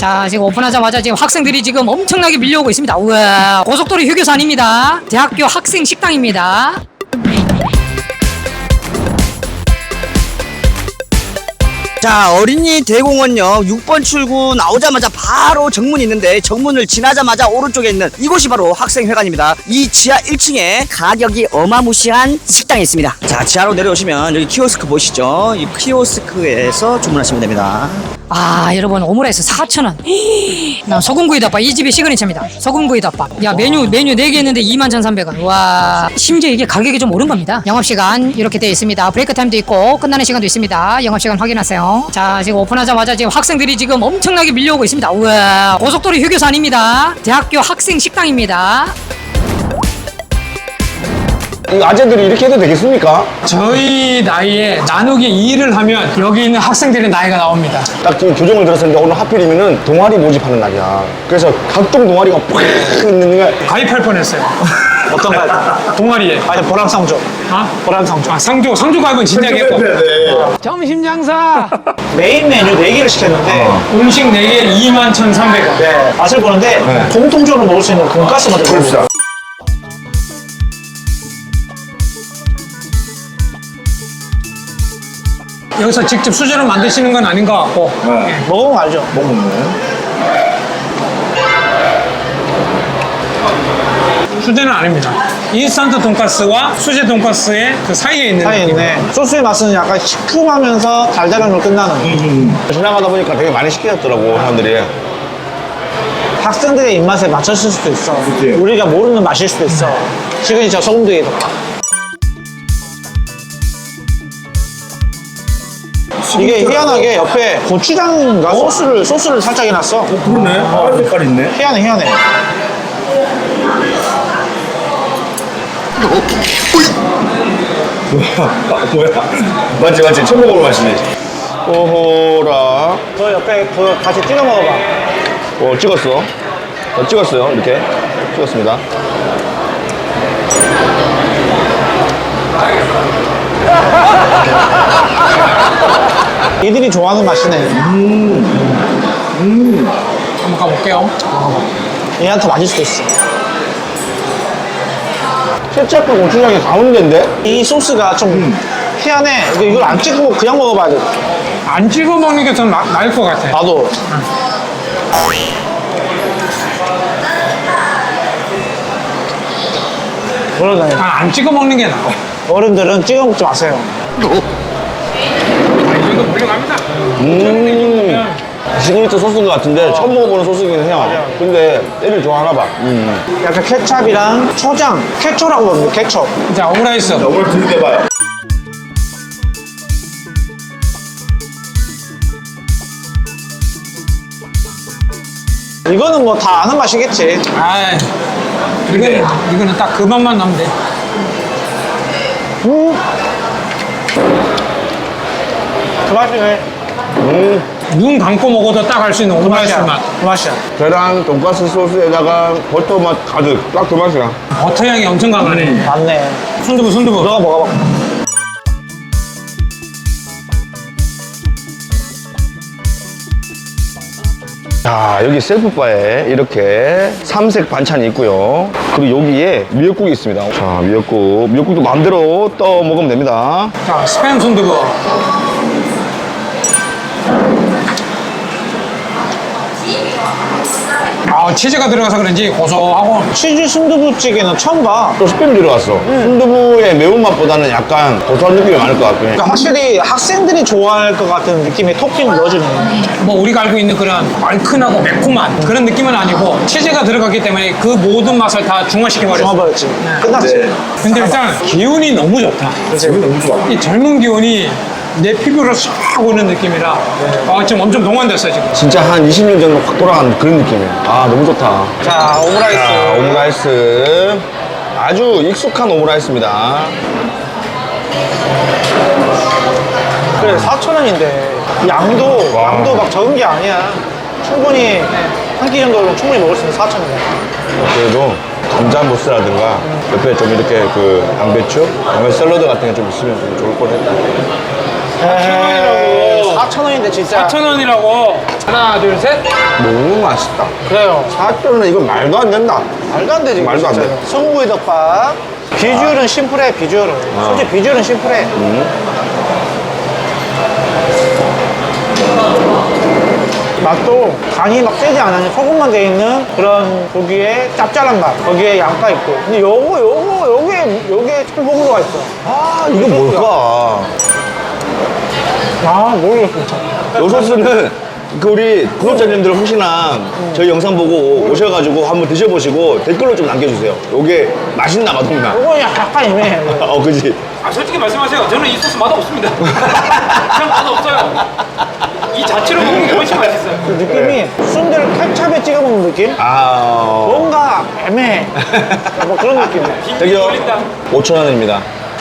자, 지금 오픈하자마자 지금 학생들이 지금 엄청나게 밀려오고 있습니다. 우와, 고속도로 휴게소 아닙니다. 대학교 학생 식당입니다. 자, 어린이 대공원역 6번 출구 나오자마자 바로 정문이 있는데 정문을 지나자마자 오른쪽에 있는 이곳이 바로 학생회관입니다. 이 지하 1층에 가격이 어마무시한 식당이 있습니다. 자, 지하로 내려오시면 여기 키오스크 보이시죠? 이 키오스크에서 주문하시면 됩니다. 아, 여러분, 오므라이스 4,000원. 나 소금구이 덮밥, 이 집의 시그니처입니다. 소금구이 덮밥. 야, 메뉴 4개 있는데 21,300원. 와, 심지어 이게 가격이 좀 오른 겁니다. 영업시간 이렇게 되어 있습니다. 브레이크 타임도 있고 끝나는 시간도 있습니다. 영업시간 확인하세요. 자, 지금 오픈하자마자 지금 학생들이 지금 엄청나게 밀려오고 있습니다. 우와, 고속도로 휴게소 아닙니다. 대학교 학생 식당입니다. 이 아재들이 이렇게 해도 되겠습니까? 저희 나이에 나누기 2를 하면 여기 있는 학생들의 나이가 나옵니다. 딱 이 교정을 들었었는데 오늘 하필이면은 동아리 모집하는 날이야. 그래서 각종 동아리가 팍 있는 게 가입할 뻔했어요. 어떤 거? 동아리에. 아니 보람상조. 보람상조. 아, 상조 가입은 진작에 했고. 점심 장사. 메인 메뉴 4개를 시켰는데 음식 4개 21,300원. 네, 맛을 보는데 공통적으로 먹을 수 있는 돈가스만 들어있어요. 여기서 직접 수제로 만드시는 건 아닌 것 같고. 먹으면 알죠? 수제는 아닙니다. 인스턴트 돈가스와 수제 돈가스의 그 사이에 있는 사이에 느낌. 있네. 소스의 맛은 약간 시큼하면서 달달함으로 끝나는 지나가다 보니까 되게 많이 시키셨더라고 사람들이. 학생들의 입맛에 맞췄을 수도 있어. 우리가 모르는 맛일 수도 있어. 시그니처 소금구이 덮밥. 이게 희한하게 옆에 고추장인가 소스를 살짝 해놨어. 그러네. 색깔 있네. 희한해. 뭐야? 맞지. 처음 먹어볼 맛이네. 오호라. 저 옆에 그거 같이 찍어 먹어봐. 찍었어. 찍었어요. 이렇게 찍었습니다. 이들이 좋아하는 맛이네. 한번 가볼게요. 얘한테 맞을 수도 있어. 케첩과 고추장이 가운데인데? 이 소스가 좀 희한해. 이걸 안 찍고 그냥 먹어봐야 돼. 안 찍어 먹는 게 더 나을 것 같아. 나도. 그러네. 안 찍어 먹는 게 나아. 어른들은 찍어 먹지 마세요. 이거 물려갑니다. 시그니처 소스인 것 같은데 처음 먹어보는 소스이긴 해요. 근데 애들 좋아하나 봐. 약간 케찹이랑 초장, 케초라고 부릅니다. 케초. 자, 오므라이스. 오늘 들이대봐요. 이거는 뭐 다 아는 맛이겠지. 아, 이거는 딱 그 맛만 나면 돼. 그 맛이네. 눈 감고 먹어도 딱 할 수 있는 오므라이스 맛. 그 맛이야. 계란, 돈가스 소스에다가 버터 맛 가득. 딱 그 맛이야. 버터 향이 엄청 강하네. 맞네. 순두부. 너가 먹어봐. 자, 여기 셀프바에 이렇게 삼색 반찬이 있고요. 그리고 여기에 미역국이 있습니다. 자, 미역국도 마음대로 떠 먹으면 됩니다. 자, 스팸 순두부. 아, 치즈가 들어가서 그런지 고소하고. 치즈 순두부찌개는 처음 봐. 또 스팸 들어갔어. 순두부의 매운맛보다는 약간 고소한 느낌이 많을 것 같고. 그러니까 확실히 학생들이 좋아할 것 같은 느낌의 토핑을 넣어주네. 뭐 우리가 알고 있는 그런 얼큰하고 매콤한 그런 느낌은 아니고 치즈가 들어갔기 때문에 그 모든 맛을 다 중화시켜버렸어. 좋아버렸지. 끝났지. 근데 일단 기운이 너무 좋다. 너무 좋아. 이 젊은 기운이 내 피부로 싹 오는 느낌이라 지금 엄청 동안됐어요 지금. 진짜 한 20년 전으로 확 돌아가는 그런 느낌이야. 아, 너무 좋다. 자, 오므라이스. 자, 오므라이스. 아주 익숙한 오므라이스입니다. 그래, 4,000원인데. 양도 막 적은 게 아니야. 충분히 한 끼 정도는 충분히 먹을 수 있는 4,000원이야. 그래도 감자 무스라든가 옆에 좀 이렇게 그 양배추 샐러드 같은 게 좀 있으면 좀 좋을 뻔했다. 4,000원이라고. 4,000원인데 진짜. 4,000원이라고. 하나, 둘, 셋. 너무 맛있다. 그래요. 4,000원은 이건 말도 안 된다. 말도 안 되지. 말도 안 돼. 소금구이 덮밥. 비주얼은 심플해, 비주얼은. 솔직히 비주얼은 심플해. 맛도 간이 막 세지 않아요. 소금만 돼 있는 그런 고기의 짭짤한 맛. 거기에 양파 있고. 근데 요게 찰보구가 있어. 아, 이거 뭘까? 아, 모르겠어. 요 소스는 그 우리 구독자님들 혹시나 저희 영상 보고 오셔가지고 한번 드셔보시고 댓글로 좀 남겨주세요. 요게 맛있나 맛없나? 요거 약간 애매해. 그지? 아, 솔직히 말씀하세요. 저는 이 소스 맛없습니다. 전 맛없어요. 이 자체로 먹는 게 훨씬 맛있어요. 그 느낌이 순대를 케찹에 찍어 먹는 느낌? 아, 뭔가 애매해. 뭐 그런 느낌이야. 저기요, 5,000원입니다.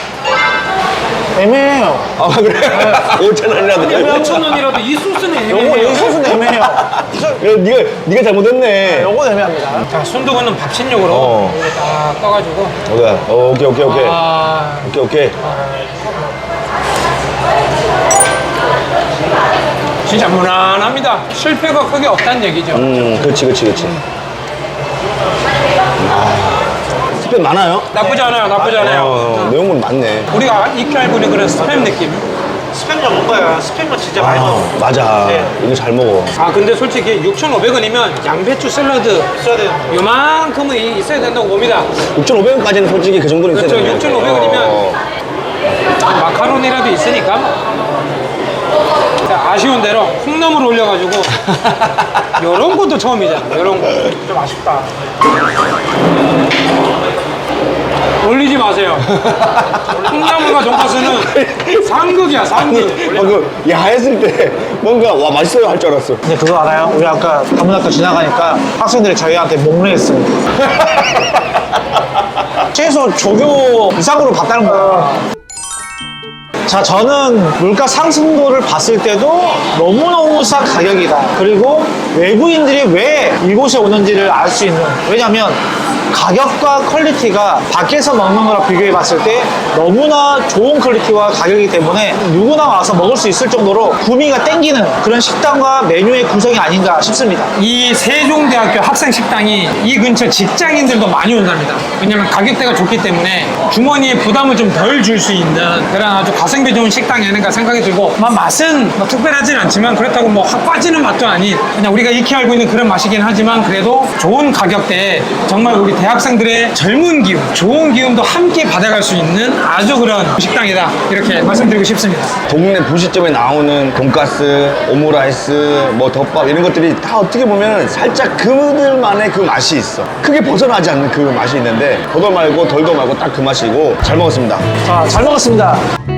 애매해요. 아, 그래? 5,000원이라도. 5,000원이라도 이 소스는 요거 이 애매해요. 소스는 애매해요. 네가 잘못했네. 요건 애매합니다. 자, 손두부는 밥신용으로 어. 이렇게 딱 떠가지고. 오케이. 아, 오케이. 진짜 무난합니다. 실패가 크게 없다는 얘기죠. 그렇지. 스팸 많아요? 나쁘지 않아요. 내용물 많네. 우리가 익히 알고 있는 그런 스팸 느낌. 스팸 좀 먹어요. 스팸은 진짜 많이 먹어. 맞아. 네. 이거 잘 먹어. 아, 근데 솔직히 6,500원이면 양배추 샐러드 있어야 되는 거. 요만큼은 있어야 된다고 봅니다. 6,500원까지는 솔직히 그 정도는 있어야 그렇죠. 되는 6,500원이면 마카로니라도 있으니까. 자, 아쉬운 대로 콩나물 올려가지고 요런 것도 처음이잖아. 요런 거. 좀 아쉽다. 올리지 마세요. 콩나물과 돈가스는 상극이야, 상극. 방금 야했을 때 뭔가 와 맛있어요 할 줄 알았어. 근데 그거 알아요? 우리 아까 다문학교 지나가니까 학생들이 저희한테 목례했어요. 최소 조교 이상으로 봤다는 거야. 자, 저는 물가 상승도를 봤을 때도 너무너무 싼 가격이다. 그리고 외부인들이 왜 이곳에 오는지를 알 수 있는. 왜냐면 가격과 퀄리티가 밖에서 먹는 거랑 비교해 봤을 때 너무나 좋은 퀄리티와 가격이기 때문에 누구나 와서 먹을 수 있을 정도로 구미가 땡기는 그런 식당과 메뉴의 구성이 아닌가 싶습니다. 이 세종대학교 학생 식당이 이 근처 직장인들도 많이 온답니다. 왜냐면 가격대가 좋기 때문에 주머니에 부담을 좀 덜 줄 수 있는 그런 아주 가성비 좋은 식당이 아닌가 생각이 들고, 맛은 뭐 특별하진 않지만 그렇다고 뭐 확 빠지는 맛도 아닌 그냥 우리가 익히 알고 있는 그런 맛이긴 하지만 그래도 좋은 가격대에 정말 우리 대학생들의 젊은 기운, 좋은 기운도 함께 받아갈 수 있는 아주 그런 식당이다, 이렇게 말씀드리고 싶습니다. 동네 분식점에 나오는 돈가스, 오므라이스, 뭐 덮밥 이런 것들이 다 어떻게 보면 살짝 그들만의 그 맛이 있어. 크게 벗어나지 않는 그 맛이 있는데 더도 말고 덜도 말고 딱 그 맛이고 잘 먹었습니다. 자, 잘 먹었습니다.